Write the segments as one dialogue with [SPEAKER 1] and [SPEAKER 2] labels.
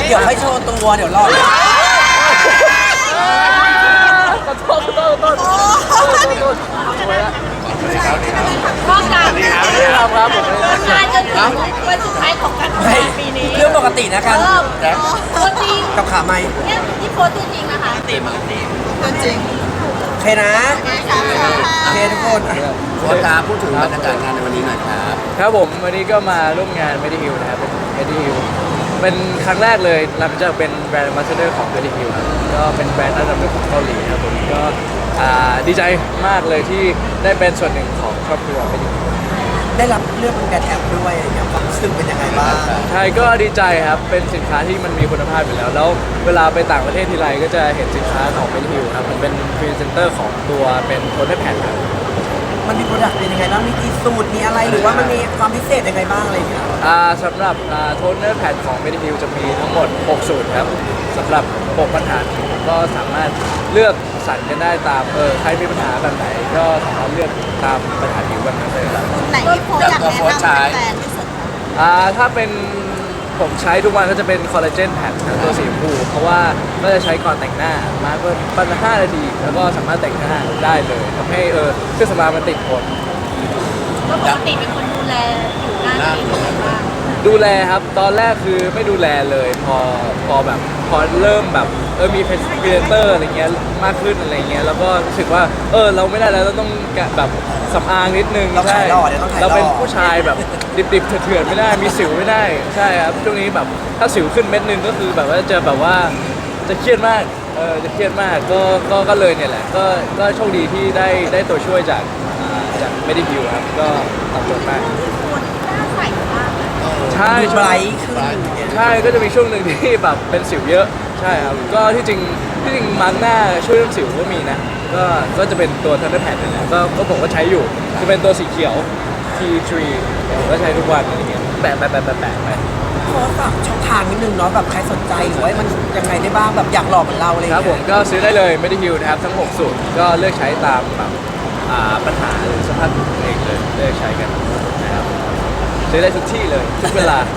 [SPEAKER 1] เดี๋ยวให้โชว์ตัวเดี๋ยวรอ
[SPEAKER 2] ขอโทษสวยละ
[SPEAKER 3] ก็การ
[SPEAKER 2] ครับผม
[SPEAKER 3] งานจนถึงวันสุดท้ายของการทำงานปีนี้
[SPEAKER 1] เรื่องปกตินะกัน
[SPEAKER 3] ตัวจริง
[SPEAKER 1] กับขาไม้
[SPEAKER 3] เนี่ยที่โพสตัวจริงนะคะตัวจริง
[SPEAKER 1] โอเคนะโอเคทุกคน
[SPEAKER 4] โค้ชครับพูดถึงบรรยากาศงานในวันนี้หน่อยครับ
[SPEAKER 2] ครับผมวันนี้ก็มาร่วมงาน Medihill นะครับเป็น Medihill เป็นครั้งแรกเลยหลังจากเป็นแบรนด์ Ambassador ของ Medihill ครับก็เป็นแบรนด์อันดับหนึ่งของเกาหลีครับผมก็ดีใจมากเลยที่ได้เป็นส่วนหนึ่งของครอบครัว Medihill
[SPEAKER 1] ได้รับเลือกเป็นแบรนด์แอมด้วยอย่างความรู้สึกเป็นยังไงบ้าง
[SPEAKER 2] ใช่ก็ดีใจครับเป็นสินค้าที่มันมีคุณภาพอยู่แล้วแล้วเวลาไปต่างประเทศทีไรก็จะเห็นสินค้าของ Medihill ครับมันเป็นพรีเซนเตอร์ของตัวเป็นโทนแผ่นครับ
[SPEAKER 1] มันมีโปรดักต์เป็นยังไงบ้างมีกี่สูตรมีอะไรหรือว่ามันมีความพิเศษยังไงบ้างอะไรอย่างเงี้ย
[SPEAKER 2] สำหรับโทนเนอร์แผ่นของ Medihill จะมีทั้งหมด 6 สูตรครับสำหรับ 6 ปัญหาก็สามารถเลือกสรรกันได้ตามใครมีปัญหาแบบไหนก็สามารถเลือกตามปัญหาผิวแบบนั้นเลยครับ
[SPEAKER 3] ไหนที่โพสอยากแนะนำแฟนที่สุด
[SPEAKER 2] ถ้าเป็นผมใช้ทุกวันก็จะเป็นคอลลาเจนแผ่นตัวสีชมพูเพราะว่าก็จะใช้ก่อนแต่งหน้ามาก็ประมาณ5 นาทีแล้วก็สามารถแต่งหน้าได้เลยทำให้เครื่องสำอางมันติดทน
[SPEAKER 3] ก็ปกติเป็นคนดูแลผิวหน้าดีหรือเปล่า
[SPEAKER 2] ดูแลครับตอนแรกคือไม่ดูแลเลยพอแบบพอเริ่มแบบมีพรีเซนเตอร์อะไรเงี้ยมากขึ้นอะไรเงี้ยแล้วก็รู้สึกว่าเราไม่ได้แล้วเราต้องแบบสำอางนิดนึง
[SPEAKER 1] เรา
[SPEAKER 2] ใช่
[SPEAKER 1] ขายหล่อเดี๋ยวต้องขายหล่
[SPEAKER 2] เรา
[SPEAKER 1] อ
[SPEAKER 2] เป็นผู้ชายแบบดิบๆเถื่อนๆไม่ได้มีสิวไม่ได้ใช่ครับช่วงนี้แบบถ้าสิวขึ้นเม็ดนึงก็คือแบบว่าจะแบบว่าจะเครียดมากจะเครียดมากก็เลยเนี่ยแหละก็โชคดีที่ได้ตัวช่วยจากMedihill ครับก็ตอบโจทย์มาก
[SPEAKER 3] คนหน้าใสมากเลย
[SPEAKER 2] ใช่
[SPEAKER 1] ดูไบรท์ขึ้น
[SPEAKER 2] ใช่ก็จะมีช่วงหนึ่งที่แบบเป็นสิวเยอะใช่ครับก็ที่จริงมาร์กหน้าช่วยเรื่องสิวก็มีนะก็จะเป็นตัวทันเดอร์แพดนี่แหละก็ผมก็ใช้อยู่จะเป็นตัวสีเขียว T3 ผมก็ใช้ทุกวันอะไรเงี้ยแปะไป
[SPEAKER 1] ขอฝากช่องทางนิดนึงเนาะแบบใครสนใจหรือว่ามันยังไงได้บ้างแบบอยากหล่อเหมือนเราอะไรอย่าง
[SPEAKER 2] ครับผ
[SPEAKER 1] เงี้
[SPEAKER 2] ม
[SPEAKER 1] ย
[SPEAKER 2] ก็ซื้อได้เลย Medihill นะครับทั้ง 6 สูตรก็เลือกใช้ตามแบบปัญหาหรือสภาพผิวตัวเองเลยเลือกใช้กันนะครับซื้อได้ทุกที่เลยทุกเวลา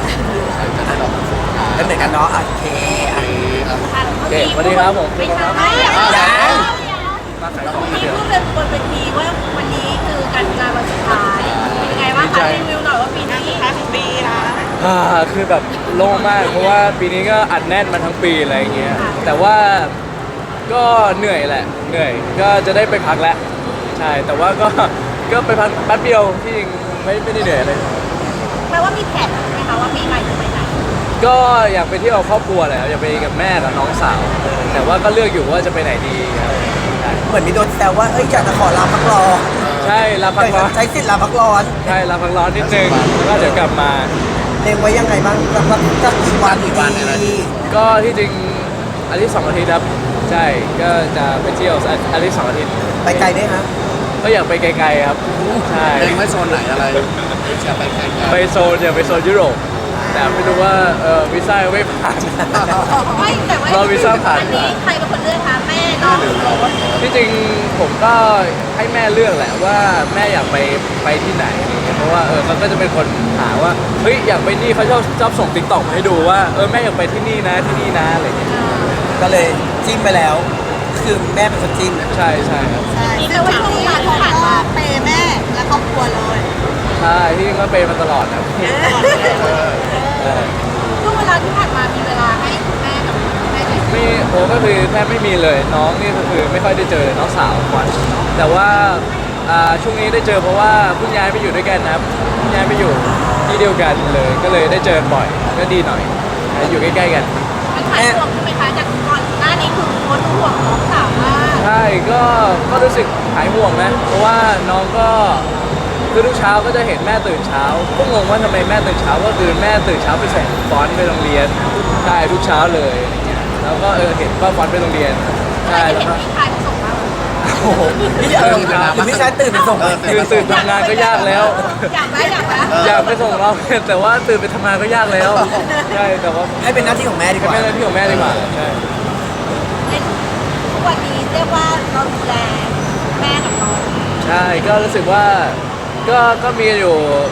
[SPEAKER 1] แล้วเหมือนกันเนาะโอเคอ่ะ
[SPEAKER 2] โอเคสวัสดีครับผม
[SPEAKER 3] ไม่ใช่
[SPEAKER 1] ยัง
[SPEAKER 3] นี่พูดเป็นบนเวทีว่าวันนี้คือการงานวันสุดท้ายเป็นยังไงบ้างคะรีวิวหน่อยว่าปีนี้สุดท้ายของปีนะ
[SPEAKER 2] คือแบบโล่งมากเพราะว่าปีนี้ก็อัดแน่นมาทั้งปีอะไรอย่างเงี้ยแต่ว่าก็เหนื่อยแหละเหนื่อยก็จะได้ไปพักแล้วใช่แต่ว่าก็ไปพักแป๊บเดียวที่จริงไม่ได้เหนื่อยเลย
[SPEAKER 3] แปลว่ามีแผนไหมคะว่าปีใหม่จะไปไหน
[SPEAKER 2] ก็อยากไปเที่ยวกับครอบครัวแหละอยากไปกับแม่กับน้องสาว แต่ว่าก็เลือกอยู่ว่าจะไปไหนดีครับใช่
[SPEAKER 1] เหมือนมีโดนแซวว่าเอ้ยอยากจะขอลาพักร้อน
[SPEAKER 2] ใช่ลาพักร้อน
[SPEAKER 1] ใช้สิทธิ์ลาพักร้อน
[SPEAKER 2] ใช่ลาพักร้อนนิดนึงแล้วก็เดี๋ยวกลับมา
[SPEAKER 1] เล็งไว้ยังไงบ้างจะกี่วันดี
[SPEAKER 2] ก็ที่จริงอาทิตย์2 อาทิตย์ครับใช่ก็จะไปเที่ยวอาทิตย์2 อาทิตย์
[SPEAKER 1] ไปไกลได้ฮะ
[SPEAKER 2] ก็อยากไปไกลๆครับใช่
[SPEAKER 4] เล็งไว้โซนไหนอะไรจะไปแข่งกัน
[SPEAKER 2] ไปโซนอยากไปโซนยุโรปแต่ไม่รู้ว่าวีซ่ายังไม่ผ่าน
[SPEAKER 3] ไม่แต่ว่า
[SPEAKER 2] เราวีซ่าผ่าน
[SPEAKER 3] อันนี้ใครเป็นคนเลือกคะแม่น้องหรือโรส
[SPEAKER 2] ที่จริงผมก็ให้แม่เลือกแหละว่าแม่อยากไปที่ไหนอะไรเงี้ยเพราะว่าเขาก็จะเป็นคนหาว่าเฮ้ยอยากไปนี่เขาชอบส่งติ๊กต็อกมาให้ดูว่าแม่อยากไปที่นี่นะที่นี่นะอะไรเงี้ย
[SPEAKER 1] ก็เลยจิ้มไปแล้ว คือแม่เป็นคนจิ้ม
[SPEAKER 2] ใช่ครับ
[SPEAKER 3] นี่แต่ว่าช่วงเวลาที่ผ่านมาเปย์แม่และครอบครัวเลย
[SPEAKER 2] ใช่ที่จริงก็ไปมาตลอดนะเออ
[SPEAKER 3] ช่วงเวลาที่ผ่านมามีเวลาให้คุณแม่กับแม่ได้
[SPEAKER 2] ไม่ก็คือแทบไม่มีเลยน้องนี่ก็คือไม่ค่อยได้เจอน้องสาวก่อนแต่ว่าช่วงนี้ได้เจอเพราะว่าเพิ่งย้ายไปอยู่ด้วยกันนะครับเพิ่งย้ายไปอยู่ที่เดียวกันเลยก็เลยได้เจอบ่อยก็ดีหน่อยอยู่ใกล้ๆกัน
[SPEAKER 3] มันหายห่วงใช่ไหมคะจากก่อนหน้านี้คือโค้ชห่วงน้องสาวมาก
[SPEAKER 2] ใช่ก็รู้สึกหายห่วงนะเพราะว่าน้องก็คือทุกเช้าก็จะเห็นแม่ตื่นเช้าก็งงว่าทำไมแม่ตื่นเช้าก็คือแม่ตื่นเช้าไปส่งฟอนต์ไปโรงเรียนใช่ทุกเช้าเลยอะไรเงี้ยแล้วก็เห็นว่าฟอนต์ไปโรงเรียน
[SPEAKER 3] ใช่
[SPEAKER 2] ใช่
[SPEAKER 3] เห็
[SPEAKER 2] แล้ว
[SPEAKER 3] น
[SPEAKER 2] ก็
[SPEAKER 3] พี่ชายเขาส่งมา
[SPEAKER 1] โอ้โหนี่หรือพี่ชายตื่นไปส่ง
[SPEAKER 2] คือตื่นทำงานก็ยากแล้ว
[SPEAKER 3] อยากไหมอยากไหม
[SPEAKER 2] อยากไปส่งเราแต่ว่าตื่นไปทำงานก็ยากแล้วใช่แต่ว่า
[SPEAKER 1] ให้เป็นหน้าที่ของแม่ดีกว่า
[SPEAKER 2] แม่หน้าที่ของแม่ดีกว่าใช่
[SPEAKER 3] ทุกวันนี้เรียกว่าเราดูแลแม่กับน้อง
[SPEAKER 2] ใช่ก็รู้สึกว่าก็มีอยู่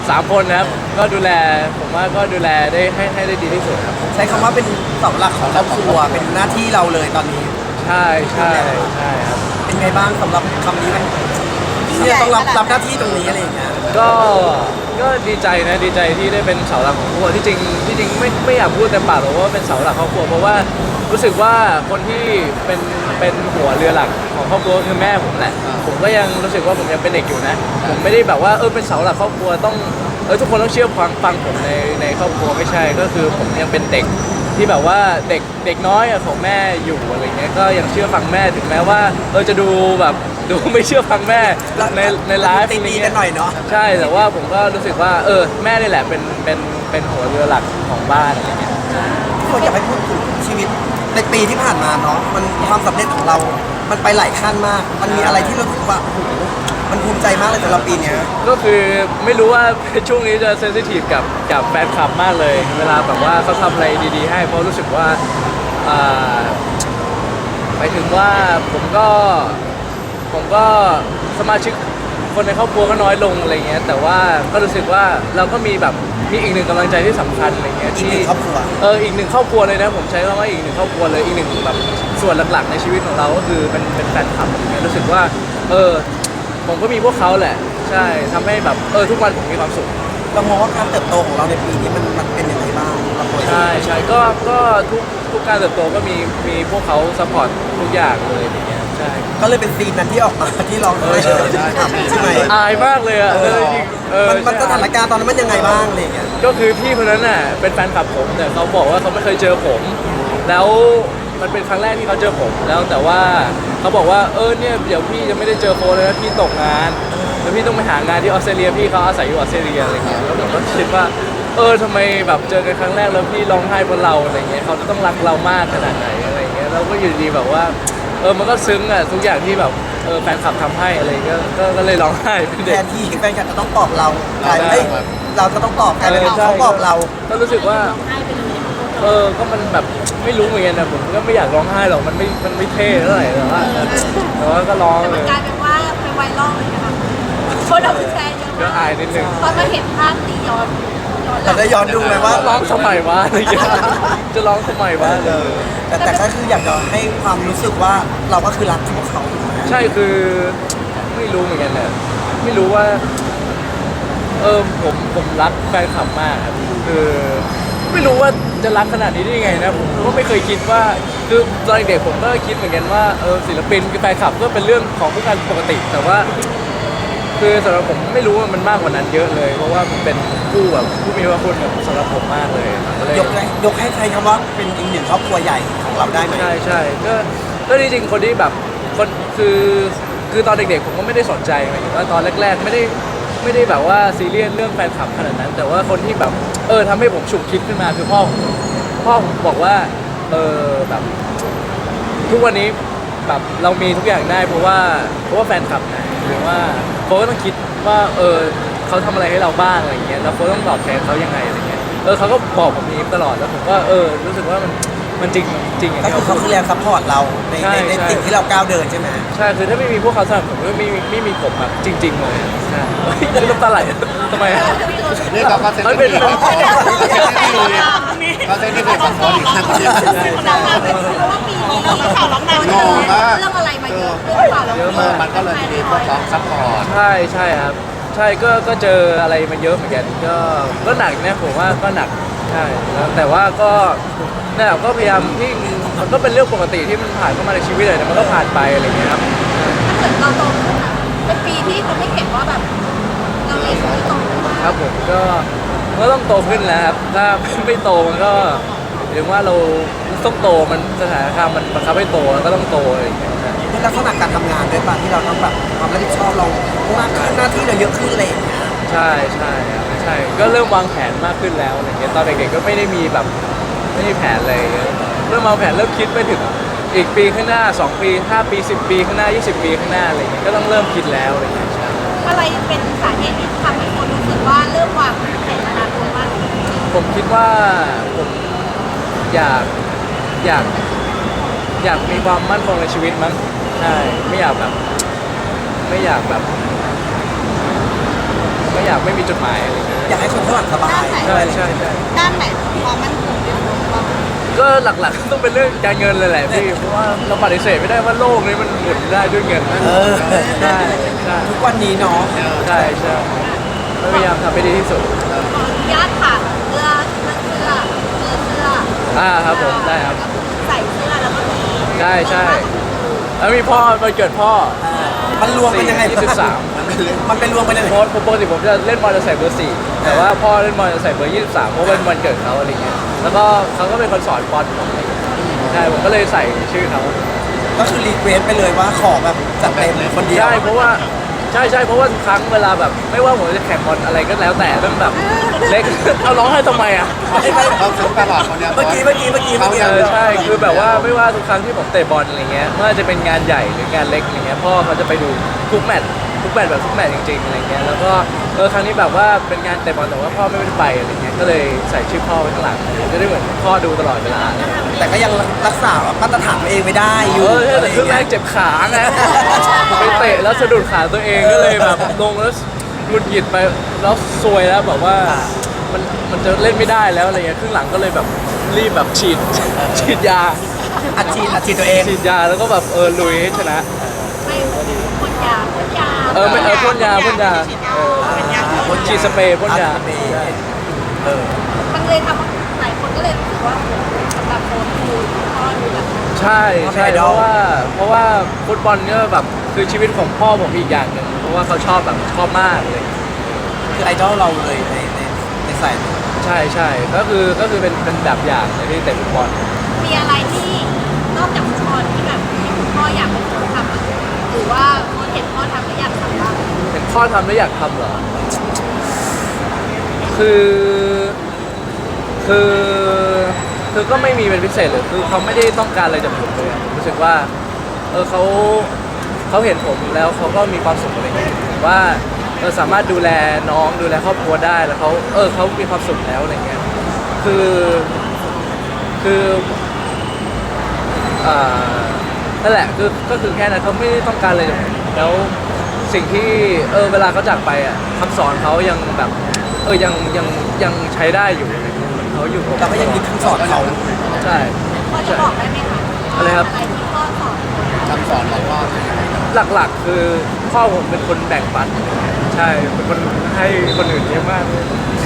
[SPEAKER 2] 3 คนนะครับก็ดูแลผมว่าก็ดูแลได้ให้ได้ดีที่สุดครับ
[SPEAKER 1] ใช้คำว่าเป็นเสาหลักของครอบครัวเป็นหน้าที่เราเลยตอนนี้
[SPEAKER 2] ใช่ใช่ใช่ครับ
[SPEAKER 1] เป็นไงบ้างสำหรับคำนี้มันเนี่ยต้องรับหน้าที่ตรงนี้อะไรอย่างเงี้ย
[SPEAKER 2] ก็ดีใจนะดีใจที่ได้เป็นเสาหลักของครอบครัวที่จริงไม่อยากพูดเต็มปากหรอกว่าเป็นเสาหลักครอบครัวเพราะว่ารู้สึกว่าคนที่เป็นหัวเรือหลักของครอบครัวคือแม่ผมแหละผมก็ยังรู้สึกว่าผมยังเป็นเด็กอยู่นะผมไม่ได้แบบว่าเป็นเสาหลักครอบครัวต้องทุกคนต้องเชื่อฟังผมในครอบครัวไม่ใช่ก็คือผมยังเป็นเด็กที่แบบว่าเด็กน้อยของแม่อยู่อะไรเงี้ยก็ยังเชื่อฟังแม่ถึงแม้ว่าจะดูแบบดูไม่เชื่อฟังแม่ในไลฟ์
[SPEAKER 1] ตีกันหน่อยเนาะ
[SPEAKER 2] ใช่แต่ว่าผมก็รู้สึกว่าแม่นี่แหละเป็นหัวเรือหลักของบ้านอะไรเงี้ย
[SPEAKER 1] ที่เราอยากให้พูดถึงชีวิตในปีที่ผ่านมาเนาะมันความสำเร็จของเรา มันไปหลายขั้นมาก มันมีอะไรที่เรารู้สึกว่าโอ้โหมันภูมิใจมากเลยสำหรับปีเนี้ย
[SPEAKER 2] ก็คือไม่รู้ว่า ช่วงนี้จะเซนซิทีฟกับแฟนคลับมากเลย เวลาแบบว่าเขาทำอะไรดีๆให้เพราะรู้สึกว่าหมายถึงว่าผมก็สมาชิกคนในครอบครัวก็น้อยลงอะไรเงี้ยแต่ว่าก็รู้สึกว่าเราก็มีอีกหนึ่งกำลังใจที่สำคัญอะไรเงี้ย
[SPEAKER 1] อีกหนึ่งครอบครัว
[SPEAKER 2] อีกหนึ่งครอบครัวเลยนะผมใช้คำว่าอีกหนึ่งครอบครัวเลยอีกหนึ่งแบบส่วนหลักๆในชีวิตของเราก็คือเป็นแฟนคลับอะไรเงี้ยรู้สึกว่าผมก็มีพวกเขาแหละใช่ทำให้แบบทุกวันผมมีความสุข
[SPEAKER 1] เรามองว่าการเติบโตของเราในปีนี้มันเป็นยังไงบ้างเราควร
[SPEAKER 2] ใช่ก็ทุกการเติบโตก็มีพวกเขาซัพพอร์ตทุกอย่างเลยอย่างเงี้ยใช่
[SPEAKER 1] ก็เลยเป็นซีนนั้นที่ออกมาที่ร้องไห้ ใช่ไหม
[SPEAKER 2] อายมากเลยอ่ะจริง
[SPEAKER 1] มันส
[SPEAKER 2] ใช่
[SPEAKER 1] ถานการณ์ตอนนั้นมันยังไงบ้างอะไรอย่างเงี้ย
[SPEAKER 2] ก็คือพี่คนนั้นน่ะเป็นแฟนคลับผมแต่เขาบอกว่าเขาไม่เคยเจอผม แล้วมันเป็นครั้งแรกที่เขาเจอผมแล้วแต่ว่าเขาบอกว่าเนี่ยเดี๋ยวพี่จะไม่ได้เจอโฟนเลยนะพี่ตกงานแล้วพี่ต้องไปหางานที่ออสเตรเลียพี่เขาอาศัยอยู่ออสเตรเลียอะไรเงี้ยแล้วผมก็คิดว่าทำไมแบบเจอกันครั้งแรกแล้วพี่ร้องไห้บนเราอะไรเงี้ยเขาจะต้องรักเรามากขนาดไหนอะไรเงี้ยเราก็อยู่ดีแบบว่ามันก็ซึ้งอ่ะทุกอย่างที่แบบแฟนคลับทำให้อะไรก็เลยร้องไห้เป็น
[SPEAKER 1] แท
[SPEAKER 2] เด็ก
[SPEAKER 1] นที่แฟนคลับจะต้องปลอบเรากลายเป็นเราจะต้องปลอบกลายเป็นเขาปลอบเรา
[SPEAKER 2] ก็รู้สึกว่าก็มันแบบไม่รู้เหมือนกันนะผมก็ไม่อยากร้องไห้หรอกมันไม่เท่เท่าไหร่แต่ว่าก็ร้อง
[SPEAKER 3] แต่
[SPEAKER 2] เล
[SPEAKER 3] มัน
[SPEAKER 2] ย
[SPEAKER 3] กลายเป็นว่าเป็นไวรัลเลยนะคะคนเอาไปแชร์เยอะ
[SPEAKER 2] ก็
[SPEAKER 3] มาก
[SPEAKER 2] อายนิดนึง
[SPEAKER 3] พอมาเห็นภาพนี้ย้อนหลั
[SPEAKER 1] เรา
[SPEAKER 3] ง
[SPEAKER 1] ได้ย้อนดูไหมว่า
[SPEAKER 2] ร้องทำไมวะอะไรอย่างเงี้ยจะร้องทำไมวะ
[SPEAKER 1] แต่ก็คืออยากจะให้ความรู้สึกว่าเราก็คือรักพวกเขาถูกไหม
[SPEAKER 2] ใช่คือไม่รู้เหมือนกันนะไม่รู้ว่าผมรักแฟนคลับมากครับคือไม่รู้ว่าจะรักขนาดนี้ได้ยังไงนะผมก็ไม่เคยคิดว่าคือตอนเด็กผมก็คิดเหมือนกันว่าศิลปินกับแฟนคลับก็เป็นเรื่องของผู้การปกติ แต่ว่าคือสำหรับผมไม่รู้ว่ามันมากกว่านั้นเยอะเลย เพราะว่ามันเป็นผู้มีพระคุณกับสำหรับผมมากเลยก็เลย
[SPEAKER 1] ยกให้ใครคำว่าเป็นอีกหนึ่งครอบครัวใหญ่ของเราได้ไหม
[SPEAKER 2] ใช่ก็จริงๆคนที่แบบคนคือตอนเด็กๆผมก็ไม่ได้สนใจหมายถึงว่าตอนแรกๆไม่ได้แบบว่าซีเรียสเรื่องแฟนคลับขนาดนั้น แต่ว่าคนที่แบบทำให้ผมฉุกคิดขึ้นมาคือพ่อผมบอกว่าแบบทุกวันนี้แบบเรามีทุกอย่างได้เพราะว่าแฟนคลับนะหรือว่าเขาก็ต้องคิดว่าเขาทำอะไรให้เราบ้างอะไรเงี้ยแล้วเขาต้องตอบแทนเขายังไงอะไรเงี้ยเขาก็บอกผมนี้ตลอดแล้วผมก็รู้สึกว่ามันจริงอย่าง
[SPEAKER 1] ก็
[SPEAKER 2] ที่
[SPEAKER 1] คือเขาคือแรงซัพพอร์ตเราใน
[SPEAKER 2] ใช่
[SPEAKER 1] สิ่งที่เราก้าวเดินใช่ไหม
[SPEAKER 2] ใช่คือถ้าไม่มีพวกเขาสนับสนุนก็ไม่มีผมแบบจริง ๆเลยใช่น้ำตาไหลทำไมอะ
[SPEAKER 4] นี่ก็เซน
[SPEAKER 2] มัน
[SPEAKER 4] ที่
[SPEAKER 2] เป็น
[SPEAKER 4] ดีก็เซนที่ดีซัพพอร์ตอีกครั้งเดียว
[SPEAKER 3] เพราะว่าปีนี้ข่าวล็อกดาวน์
[SPEAKER 4] งงมาก
[SPEAKER 3] เรื่องอะไรมาเยอะเรื่องข่าวล็อกดาวน์
[SPEAKER 4] มันก็เลยมีพวกเขาซัพพอร์ต
[SPEAKER 2] ใช่ครับใช่ก็เจออะไรมาเยอะเหมือนกันก็หนักนะผมว่าก็หนักใช่แล้วแต่ว่าก็นั่นแหละก็พยายามที่มันก็เป็นเรื่องปกติที่มันผ่านเข้ามาในชีวิตเลยแต่มันก็ผ่านไปอะไรอย่างเงี้ยครับ
[SPEAKER 3] ถ้าเกิดเราโตขึ้นอะเป็นปีที่เขาไม่เห็นว่าแบบเราเรียนรู้โตขึ้นมาก
[SPEAKER 2] ครับผมก็ต้องโตขึ้นแล้วครับถ้าไม่โตมันก็หรือว่าเราต้องโตมันสถานการณ์มันบังคับให้โตแล้วก็ต้องโตอะไรอย่างเงี้ย
[SPEAKER 1] ในลักษณะการทำงานด้วยป่ะที่เราต้องแบบความรับผิดชอบเรามากขึ้นหน้าที่เราเยอะขึ้นอะไรอย่างเงี้ย
[SPEAKER 2] ใช่ครับใช่ก็เริ่มวางแผนมากขึ้นแล้วอะไรเงี้ยตอนเด็กๆก็ไม่ได้มีแบบไม่มีแผนอะไรเงี้ยเริ่มวางแผนเริ่มคิดไปถึงอีกปีข้างหน้า2 ปี5 ปี10 ปีข้างหน้า20 ปีข้างหน้าอะไรเงี้ยก็ต้องเริ่มคิดแล้วอะไรเงี้ยใช่
[SPEAKER 3] อะไรเป็นสาเหตุที่ทำให้คนรู้สึกว่าเริ่มวางแผนอนาคตมากขึ้น
[SPEAKER 2] ผมคิดว่าผมอยากมีความมั่นคงในชีวิตมั้งใช่ไม่อยากไม่มีจุดหมายอะไรเงี้ย
[SPEAKER 1] อยากให้คนข้างหลังสบาย
[SPEAKER 2] ใช่ใช่ใช่
[SPEAKER 3] ด้านไหนความมั่นคงที่สุดบ้าง
[SPEAKER 2] ก็หลักๆต้องเป็นเรื่องการเงินเลยแหละพี่เพราะว่าเราปฏิเสธไม่ได้ว่าโลกนี้มันหมุนได้ด้วยเงินนะ
[SPEAKER 1] เออ
[SPEAKER 2] ใช่ใช่
[SPEAKER 1] ทุกวันนี้เนาะ
[SPEAKER 2] ใช่ใช่พยายามทำให้ดีที่สุด
[SPEAKER 3] ขออนุญาตถามเสื้อ
[SPEAKER 2] ครับผมได้ครับ
[SPEAKER 3] ใส่เสื้อแล้วก็มี
[SPEAKER 2] ใช่ใช่แล้วมีพ่อวันเกิดพ่อ
[SPEAKER 1] มันรวมกันยังไง
[SPEAKER 2] 23
[SPEAKER 1] มันเป็นรวมกันยังไง
[SPEAKER 2] เพราะปกติผมจะเล่นบอลจะใส่เบอร์ 4แต่ว่าพ่อเล่นบอลจะใส่เบอร์ 23เพราะเป็นวันเกิดเขาอะไรเงี้ยแล้วก็เขาก็เป็นคนสอนบอลผมอะไรเงี้ยใช่ผมก็เลยใส่ชื่อเขา
[SPEAKER 1] ก็คือรีเควสไปเลยว่าขอแบบจัดเต็มคนเดียว
[SPEAKER 2] ใช่เพราะว่าใช่เพราะว่าทุกครั้งเวลาแบบไม่ว่าผมจะแข่งบอลอะไรก็แล้วแต่ต้องแบบเล็ก เอาร้องให้ทำไมอ่ะ
[SPEAKER 4] เขาซื้อตลอดคนเนี้ย
[SPEAKER 1] เมื่อกี้
[SPEAKER 2] ใช่คือแบบว่าไม่ว่าทุกครั้งที่ผมเตะบอลอะไรเงี้ยไม่ว่าจะเป็นงานใหญ่หรืองานเล็กอะไรเงี้ยพ่อเขาจะไปดูทุกแมตช์แบบทุกแมตช์จริงๆอะไรเงี้ยแล้วก็ครั้งนี้แบบว่าเป็นงานเตะบอลแต่ว่าพ่อไม่ได้ไปอะไรเงี้ยก็เลยใส่ชื่อพ่อไว้ข้างหลังจะได้เหมือนพ่อดูตลอดเวลา
[SPEAKER 1] แต่ก็ยังรักษามาตรฐานตัวเองไม่ได้อยู่
[SPEAKER 2] แต่ครึ่งแรกเจ็บขาไงไปเตะแล้วสะดุดขาตัวเองก็เลยแบบลงแล้วหงุดหงิดไปแล้วซวยแล้วแบบว่ามันจะเล่นไม่ได้แล้วอะไรเงี้ยครึ่งหลังก็เลยแบบรีบแบบฉีดยา
[SPEAKER 1] อัดฉีดตัวเอง
[SPEAKER 2] ฉีดยาแล้วก็แบบลุยให้ชนะ
[SPEAKER 3] ไม่พ่นยา
[SPEAKER 2] ไม่พ่นยาฉีดสเปรย์พ่นยา
[SPEAKER 3] มันเลยทำให้หลายคนก็เลยรู้สึกว่าสำหรับโค้ชคือพ่อดูแบบ
[SPEAKER 2] ใช่เพราะว่าฟุตบอลก็แบบคือชีวิตของพ่อผมอีกอย่างหนึ่งเพราะว่าเขาชอบแบบชอบมากเลย
[SPEAKER 1] คือไอดอลเราเลยในสาย
[SPEAKER 2] ใช่ก็คือเป็นแบบอย่างในที่เตะฟุตบอล
[SPEAKER 3] มีอะไรที่นอกจากฟุตบอลที่แบบพ่ออยากเป็นคนทำหรือว่าโค้ชเห็นพ่อทำแล้วอยากทำบ้าง
[SPEAKER 2] เห็นพ่อทำแล้วอยากทำเหรอคือก็ไม่มีเป็นพิเศษเลยคือเขาไม่ได้ต้องการอะไรจากผมเลยรู้สึกว่าเขาเห็นผมแล้วเขาก็มีความสุขอะไรอย่างเงี้ยว่าสามารถดูแลน้องดูแลครอบครัวได้แล้วเขามีความสุขแล้วอะไรเงี้ยคือนั่นแหละก็คือแค่นั้นเขาไม่ได้ต้องการอะไรจากผมแล้วสิ่งที่เวลาเขาจากไปอ่ะคำสอนเขายังแบบยังใช้ได้อยู่อะไรเงี้ยเขาอยู่กับ
[SPEAKER 1] เราก็ยังยึดคำสอนเขา
[SPEAKER 2] ใช่
[SPEAKER 3] พ่อจะบอกได้ไหมคะ
[SPEAKER 2] อะไรครับ
[SPEAKER 3] อะไรที่พ่อสอน
[SPEAKER 4] คำสอนของพ่อเป็นยังไงครับ
[SPEAKER 2] หลักๆคือพ่อผมเป็นคนแบ่งปันใช่เป็นคนให้คนอื่นเยอะมากเลย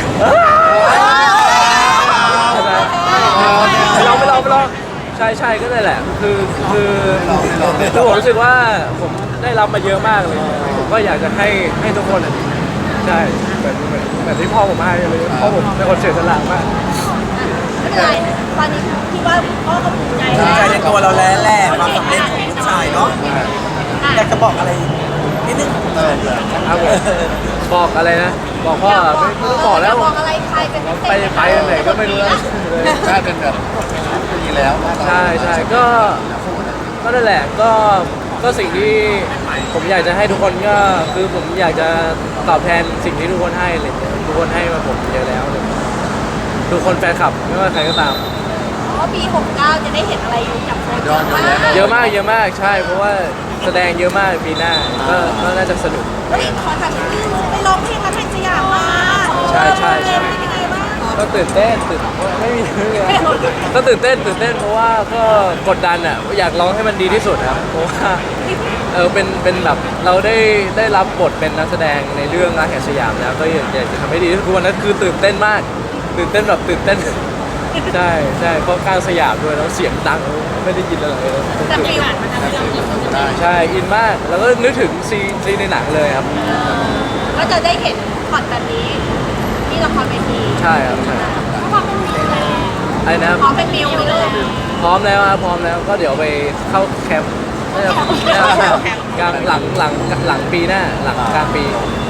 [SPEAKER 2] ไม่ลองใช่ก็ได้แหละคือผมรู้สึกว่าผมได้รับมาเยอะมากเลยผมก็อยากจะให้ทุกคนใช่เหมือนที่พ่อผมให้เลยพ่อผมเป็นคนเสียสละมาก
[SPEAKER 3] ไม่เป็นไรตอนนี้ที่ว่าพ่อก็ภูมิใจ
[SPEAKER 1] ภูมิใจในตัวเราแล้วแหละความสำเร็จของลูกชายเนาะอยากจะบอกอะไรนิดนึง
[SPEAKER 2] ครับผมบอกอะไรนะบอกพ่อไม่ต้องบอกแล้ว
[SPEAKER 3] บอกอะไรใครเป็นพิเศษ
[SPEAKER 2] ไปไหนก็ไม่รู้แล้ว
[SPEAKER 4] ได้เป็นแบบดีแล้ว
[SPEAKER 2] ใช่ก็นั่นแหละก็สิ่งที่ผมอยากจะให้ทุกคนก็คือผมอยากจะตอบแทนสิ่งที่ทุกคนให้เลยทุกคนให้มาผมเยอะแล้วเลยทุกคนแฟนคลับไม่ว่าใครก็ตาม
[SPEAKER 3] เพราะปี 69 จะได้เห็นอะไรจากโค้ช
[SPEAKER 2] เยอะมากใช่ เพราะว่าแสดงเยอะมากปีหน้าก็น่าจะสนุก
[SPEAKER 3] เฮ้ยขอถามนิดนึงไปร้องเพลงรักแห่งสยามมา
[SPEAKER 2] ใช่
[SPEAKER 3] เป็นยังไงบ้าง
[SPEAKER 2] ก็ตื่นเต้นไม่มีเรื่องก็ตื่นเต้นเพราะว่าก็กดดันอ่ะอยากร้องให้มันดีที่สุดครับเพราะว่าเป็นแบบเราได้รับบทเป็นนักแสดงในเรื่องรักแห่งสยามแล้วก็อยากจะทำให้ดีที่สุดวันนั้นคือตื่นเต้นมากตื่นเต้นใช่เพราะกลางสยามด้วยแล้วเสียงดังไม่ได้ยินอะไรเลย
[SPEAKER 3] แต่ฟิลมันทำให้เราอิน
[SPEAKER 2] ใช่อินมากแล้วก็นึกถึงซีนในหนังเลยครับ
[SPEAKER 3] ก็จะได้เห็นพอดแบบนี้ที่ละครเวที
[SPEAKER 2] ใช่ครับใช่
[SPEAKER 3] ก็พร้อมเป็นมิวเลย
[SPEAKER 2] ไอ้นะครับ
[SPEAKER 3] พร้อมเป็นมิวเลย
[SPEAKER 2] พร้อมแล้วครับพร้อมแล้วก็เดี๋ยวไปเข้าแคมป์กลางหลังปีหน้าหลังกลางปี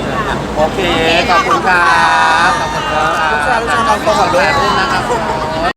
[SPEAKER 4] โอเค ขอบคุณครับขอบคุณครับ
[SPEAKER 1] ลูกชายตอนโตก่อน
[SPEAKER 4] ดู
[SPEAKER 1] ด้วย
[SPEAKER 4] แลรุ่นนะครับ